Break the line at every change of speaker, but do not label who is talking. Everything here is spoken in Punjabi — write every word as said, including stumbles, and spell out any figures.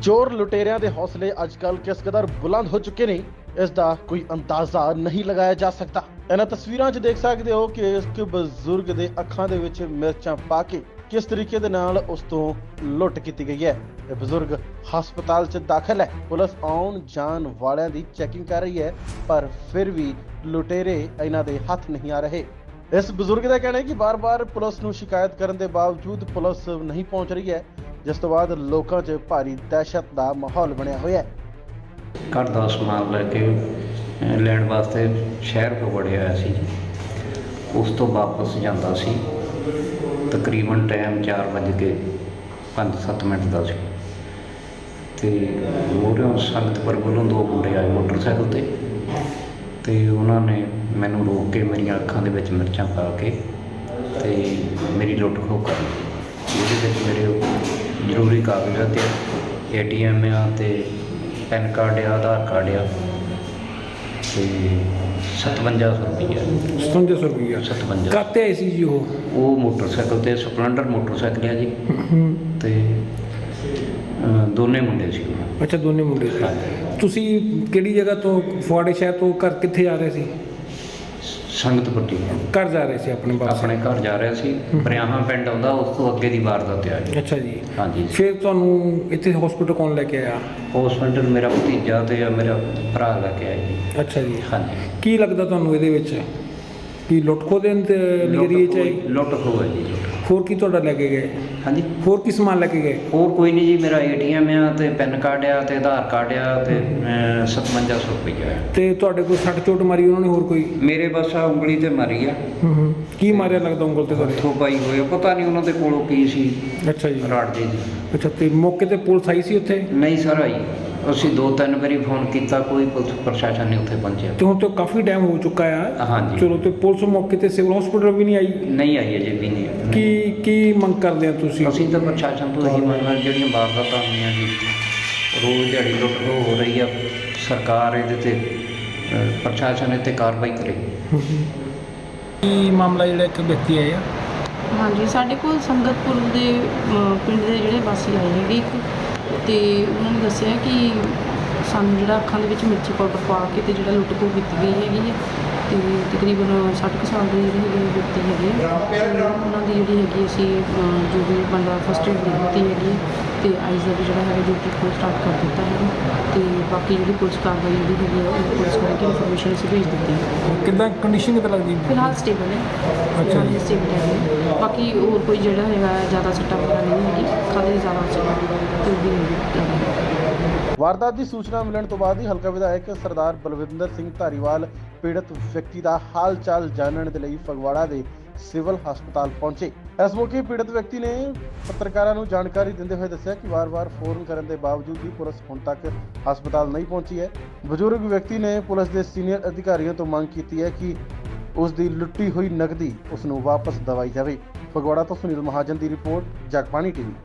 ਚੋਰ ਲੁਟੇਰਿਆਂ ਦੇ ਹੌਸਲੇ ਅੱਜਕੱਲ ਕਿਸ ਕਦਰ ਬੁਲੰਦ ਹੋ ਚੁੱਕੇ ਨੇ, ਇਸ ਦਾ ਕੋਈ ਅੰਦਾਜ਼ਾ ਨਹੀਂ ਲਗਾਇਆ ਜਾ ਸਕਦਾ। ਇਹਨਾਂ ਤਸਵੀਰਾਂ 'ਚ ਦੇਖ ਸਕਦੇ ਹੋ ਕਿ ਇੱਕ ਬਜ਼ੁਰਗ ਦੇ ਅੱਖਾਂ ਦੇ ਵਿੱਚ ਮਿਰਚਾਂ ਪਾ ਕੇ ਕਿਸ ਤਰੀਕੇ ਦੇ ਨਾਲ ਉਸ ਤੋਂ ਲੁੱਟ ਕੀਤੀ ਗਈ ਹੈ। ਇਹ ਬਜ਼ੁਰਗ ਹਸਪਤਾਲ 'ਚ ਦਾਖਲ ਹੈ। ਪੁਲਿਸ ਆਉਣ ਜਾਣ ਵਾਲਿਆਂ ਦੀ ਚੈਕਿੰਗ ਕਰ ਰਹੀ ਹੈ, ਪਰ ਫਿਰ ਵੀ ਲੁਟੇਰੇ ਇਹਨਾਂ ਦੇ ਹੱਥ ਨਹੀਂ ਆ ਰਹੇ। ਇਸ ਬਜ਼ੁਰਗ ਦਾ ਕਹਿਣਾ ਹੈ ਕਿ ਬਾਰ-ਬਾਰ ਪੁਲਿਸ ਨੂੰ ਸ਼ਿਕਾਇਤ ਕਰਨ ਦੇ ਬਾਵਜੂਦ ਪੁਲਿਸ ਨਹੀਂ ਪਹੁੰਚ ਰਹੀ ਹੈ, ਜਿਸ ਤੋਂ ਬਾਅਦ ਲੋਕਾਂ 'ਚ ਭਾਰੀ ਦਹਿਸ਼ਤ ਦਾ ਮਾਹੌਲ ਬਣਿਆ ਹੋਇਆ ਹੈ।
ਘਰ ਦਾ ਸਮਾਨ ਲੈ ਕੇ ਅਹ, ਲੈਣ ਵਾਸਤੇ ਸ਼ਹਿਰ ਤੋਂ ਵੜਿਆ ਹੋਇਆ ਸੀ। ਉਸ ਤੋਂ ਵਾਪਸ ਜਾਂਦਾ ਸੀ, ਤਕਰੀਬਨ ਟਾਈਮ ਚਾਰ ਵੱਜ ਕੇ ਪੰਜ ਸੱਤ ਮਿੰਟ ਦਾ ਸੀ ਅਤੇ ਮੂਹਰਿਓਂ ਸੰਗਤਪੁਰ ਵੱਲੋਂ ਦੋ ਮੁੰਡੇ ਆਏ ਮੋਟਰਸਾਈਕਲ 'ਤੇ ਅਤੇ ਉਹਨਾਂ ਨੇ ਮੈਨੂੰ ਰੋਕ ਕੇ ਮੇਰੀਆਂ ਅੱਖਾਂ ਦੇ ਵਿੱਚ ਮਿਰਚਾਂ ਪਾ ਕੇ ਅਤੇ ਮੇਰੀ ਲੁੱਟ ਖੋਹ ਕਰ ਲਈ। ਇਹਦੇ ਵਿੱਚ ਮੇਰੇ ਜ਼ਰੂਰੀ ਕਾਗਜ਼ਾਤ ਏ ਟੀ ਐਮ ਆ ਅਤੇ ਪੈਨ ਕਾਰਡ ਆ, ਆਧਾਰ ਕਾਰਡ ਆ ਅਤੇ ਸਤਵੰਜਾ ਸੌ ਰੁਪਈਆ
ਸਤਵੰਜਾ ਸੌ ਰੁਪਈਆ
ਸਤਵੰਜਾ
ਕਾਹਤੇ ਆਏ ਸੀ ਜੀ ਉਹ
ਉਹ ਮੋਟਰਸਾਈਕਲ 'ਤੇ ਸਪਲੈਂਡਰ ਮੋਟਰਸਾਈਕਲ ਆ ਜੀ ਅਤੇ ਅ, ਦੋਨੇ ਮੁੰਡੇ ਸੀ ਉਹ।
ਅੱਛਾ, ਦੋਨੇ ਮੁੰਡੇ ਸੀ।
ਹਾਂਜੀ।
ਤੁਸੀਂ ਕਿਹੜੀ ਜਗ੍ਹਾ ਤੋਂ, ਫੁਆੜੇ ਸ਼ਹਿਰ ਤੋਂ ਘਰ ਕਿੱਥੇ ਜਾ ਰਹੇ ਸੀ?
ਸੰਗਤਪੁਰ ਜੀ
ਘਰ ਜਾ ਰਹੇ ਸੀ ਆਪਣੇ ਪਾਸ?
ਆਪਣੇ ਘਰ ਜਾ ਰਿਹਾ ਸੀ। ਬਰਿਆਹਾਂ ਪਿੰਡ ਆਉਂਦਾ, ਉਸ ਤੋਂ ਅੱਗੇ ਦੀ ਵਾਰਦਾਤ ਆ ਜੀ।
ਅੱਛਾ ਜੀ।
ਹਾਂਜੀ।
ਫਿਰ ਤੁਹਾਨੂੰ ਇੱਥੇ ਹਸਪੀਟਲ ਕੌਣ ਲੈ ਕੇ ਆਇਆ?
ਹੌਸਪੀਟਲ ਮੇਰਾ ਭਤੀਜਾ ਅਤੇ ਮੇਰਾ ਭਰਾ ਲੈ ਕੇ ਆਇਆ ਜੀ।
ਅੱਛਾ ਜੀ।
ਹਾਂਜੀ।
ਕੀ ਲੱਗਦਾ ਤੁਹਾਨੂੰ ਇਹਦੇ ਵਿੱਚ ਕੀ ਲੁੱਟ ਖੋਹ ਦੇ ਨਜ਼ਰੀਏ 'ਚ ਆਈ?
ਲੁੱਟ ਖੋਹ ਹੈ ਜੀ, ਲੁੱਟ।
ਹੋਰ ਕੀ ਤੁਹਾਡਾ ਲੈ ਕੇ ਗਏ?
ਹਾਂਜੀ।
ਹੋਰ ਕੀ ਸਮਾਨ ਲੈ ਕੇ ਗਏ?
ਹੋਰ ਕੋਈ ਨਹੀਂ ਜੀ, ਮੇਰਾ ਏ ਟੀ ਐਮ ਆ ਅਤੇ ਪੈਨ ਕਾਰਡ ਆ ਅਤੇ ਆਧਾਰ ਕਾਰਡ ਆ ਅਤੇ ਸਤਵੰਜਾ ਸੌ ਰੁਪਈਆ ਆ।
ਤੇ ਤੁਹਾਡੇ ਕੋਈ ਸੱਟ ਚੋਟ ਮਾਰੀ ਉਹਨਾਂ ਨੇ ਹੋਰ ਕੋਈ?
ਮੇਰੇ ਬਸ ਆ ਉਂਗਲੀ 'ਤੇ ਮਾਰੀ ਆ।
ਹੂੰ ਹੂੰ ਕੀ ਮਾਰਿਆ ਲੱਗਦਾ ਉਂਗਲ ਤੇ ਤੁਹਾਡੇ?
ਹੱਥੋਂ ਪਾਈ ਹੋਇਆ, ਪਤਾ ਨਹੀਂ ਉਹਨਾਂ ਦੇ ਕੋਲੋਂ ਕੀ ਸੀ।
ਅੱਛਾ ਜੀ।
ਰਾੜ ਜੀ ਦੀ।
ਅੱਛਾ, ਤੇ ਮੌਕੇ ਤੇ ਪੁਲਿਸ ਆਈ ਸੀ ਉੱਥੇ?
ਨਹੀਂ ਸਰ ਆਈ, ਅਸੀਂ ਦੋ ਤਿੰਨ ਵਾਰੀ ਫੋਨ ਕੀਤਾ, ਕੋਈ ਪੁਲਿਸ ਪ੍ਰਸ਼ਾਸਨ ਨਹੀਂ ਉੱਥੇ ਪਹੁੰਚਿਆ।
ਤੇ ਹੁਣ ਤਾਂ ਕਾਫੀ ਟਾਈਮ ਹੋ ਚੁੱਕਾ ਆ।
ਹਾਂਜੀ।
ਚਲੋ, ਤੇ ਪੁਲਿਸ ਮੌਕੇ ਤੇ ਸਿਵਲ ਹਸਪੀਟਲ ਵੀ ਨਹੀਂ ਆਈ?
ਨਹੀਂ ਆਈ ਅਜੇ ਵੀ ਨਹੀਂ।
ਕੀ ਕੀ ਮੰਗ ਕਰਦੇ ਆ ਤੁਸੀਂ?
ਅਸੀਂ ਤਾਂ ਪ੍ਰਸ਼ਾਸਨ ਤੋਂ ਇਹੀ ਮੰਗਦੇ, ਜਿਹੜੀਆਂ ਵਾਰਦਾਤਾਂ ਹੋਈਆਂ ਜੀ, ਰੋਜ਼ ਦਿਹਾੜੀ ਲੁੱਟ ਖੋਹ ਹੋ ਰਹੀ ਆ, ਸਰਕਾਰ ਇਹਦੇ 'ਤੇ ਅ, ਪ੍ਰਸ਼ਾਸਨ ਇਹ 'ਤੇ ਕਾਰਵਾਈ ਕਰੇ।
ਕੀ ਮਾਮਲਾ ਜਿਹੜਾ ਇੱਕ ਵਿਅਕਤੀ ਆਇਆ?
ਹਾਂਜੀ, ਸਾਡੇ ਕੋਲ ਸੰਗਤਪੁਰ ਦੇ ਅ, ਪਿੰਡ ਦੇ ਜਿਹੜੇ ਵਾਸੀ ਆਏ ਹੈਗੇ ਇੱਕ, ਅਤੇ ਉਹਨਾਂ ਨੇ ਦੱਸਿਆ ਕਿ ਸਾਨੂੰ ਜਿਹੜਾ ਅੱਖਾਂ ਦੇ ਵਿੱਚ ਮਿਰਚੀ ਪਾਊਡਰ ਪਾ ਕੇ ਅਤੇ ਜਿਹੜਾ ਲੁੱਟ ਖੋਹ ਕੀਤੀ ਗਈ ਹੈਗੀ ਹੈ, ਅਤੇ ਤਕਰੀਬਨ ਸੱਠ ਕੁ ਸਾਲ ਦੇ ਜਿਹੜੇ ਹੈਗੇ ਵਿਅਕਤੀ ਹੈਗੇ ਆ, ਤੇ ਉਹਨਾਂ ਦੀ ਜਿਹੜੀ ਹੈਗੀ ਅਸੀਂ ਅ, ਜੋ ਵੀ ਬੰਦਾ ਫਸਟ ਏਡ ਦੇ ਦਿੱਤੀ ਹੈਗੀ ਹੈ, ਅਤੇ ਆਈਜ਼ ਦਾ ਵੀ ਜਿਹੜਾ ਹੈਗਾ ਡਿਊਟੀ ਕੋਲ ਸਟਾਰਟ ਕਰ ਦਿੱਤਾ ਹੈਗਾ, ਅਤੇ ਬਾਕੀ ਜਿਹੜੀ ਪੁਲਿਸ ਕਾਰਵਾਈ ਜਿਹੜੀ ਹੈਗੀ ਆ ਉਹ ਪੁਲਿਸ ਕਰਕੇ ਇਨਫੋਰਮੇਸ਼ਨ ਅਸੀਂ ਭੇਜ ਦਿੱਤੀ ਹੈ।
ਕਿੱਦਾਂ ਕੰਡੀਸ਼ਨ ਕਿੱਦਾਂ ਲੱਗਦੀ?
ਫਿਲਹਾਲ ਸਟੇਬਲ ਹੈ।
ਅੱਛਾ ਜੀ।
ਸਟੇਬਲ ਹੈ। ਬਾਕੀ ਹੋਰ ਕੋਈ ਜਿਹੜਾ ਹੈਗਾ ਜ਼ਿਆਦਾ ਸੱਟਾਂ ਵਗੈਰਾ ਨਹੀਂ ਹੈਗੀ, ਖਾਲੀ ਜ਼ਿਆਦਾ ਸੱਟਾਂ ਤੇ ਵੀ ਨਹੀਂ।
ਵਾਰਦਾਤ ਦੀ ਸੂਚਨਾ ਮਿਲਣ ਤੋਂ ਬਾਅਦ ਹੀ ਹਲਕਾ ਵਿਧਾਇਕ ਸਰਦਾਰ ਬਲਵਿੰਦਰ ਸਿੰਘ ਧਾਰੀਵਾਲ ਪੀੜਤ ਵਿਅਕਤੀ ਦਾ ਹਾਲ ਚਾਲ ਜਾਣਨ ਦੇ ਲਈ ਫਗਵਾੜਾ ਦੇ ਸਿਵਲ ਹਸਪਤਾਲ ਪਹੁੰਚੇ। ਇਸ ਮੌਕੇ ਪੀੜਤ ਵਿਅਕਤੀ ਨੇ ਪੱਤਰਕਾਰਾਂ ਨੂੰ ਜਾਣਕਾਰੀ ਦਿੰਦੇ ਹੋਏ ਦੱਸਿਆ ਕਿ ਵਾਰ-ਵਾਰ ਫੋਨ ਕਰਨ ਦੇ ਬਾਵਜੂਦ ਵੀ ਪੁਲਿਸ ਹੁਣ ਤੱਕ ਹਸਪਤਾਲ ਨਹੀਂ ਪਹੁੰਚੀ ਹੈ। ਬਜ਼ੁਰਗ ਵਿਅਕਤੀ ਨੇ ਪੁਲਿਸ ਦੇ ਸੀਨੀਅਰ ਅਧਿਕਾਰੀਆਂ ਤੋਂ ਮੰਗ ਕੀਤੀ ਹੈ ਕਿ ਉਸ ਦੀ ਲੁੱਟੀ ਹੋਈ ਨਕਦੀ ਉਸ ਨੂੰ ਵਾਪਸ ਦਵਾਈ ਜਾਵੇ। ਫਗਵਾੜਾ ਤੋਂ ਸੁਨੀਲ ਮਹਾਜਨ ਦੀ ਰਿਪੋਰਟ, ਜਗਬਾਣੀ ਟੀਵੀ।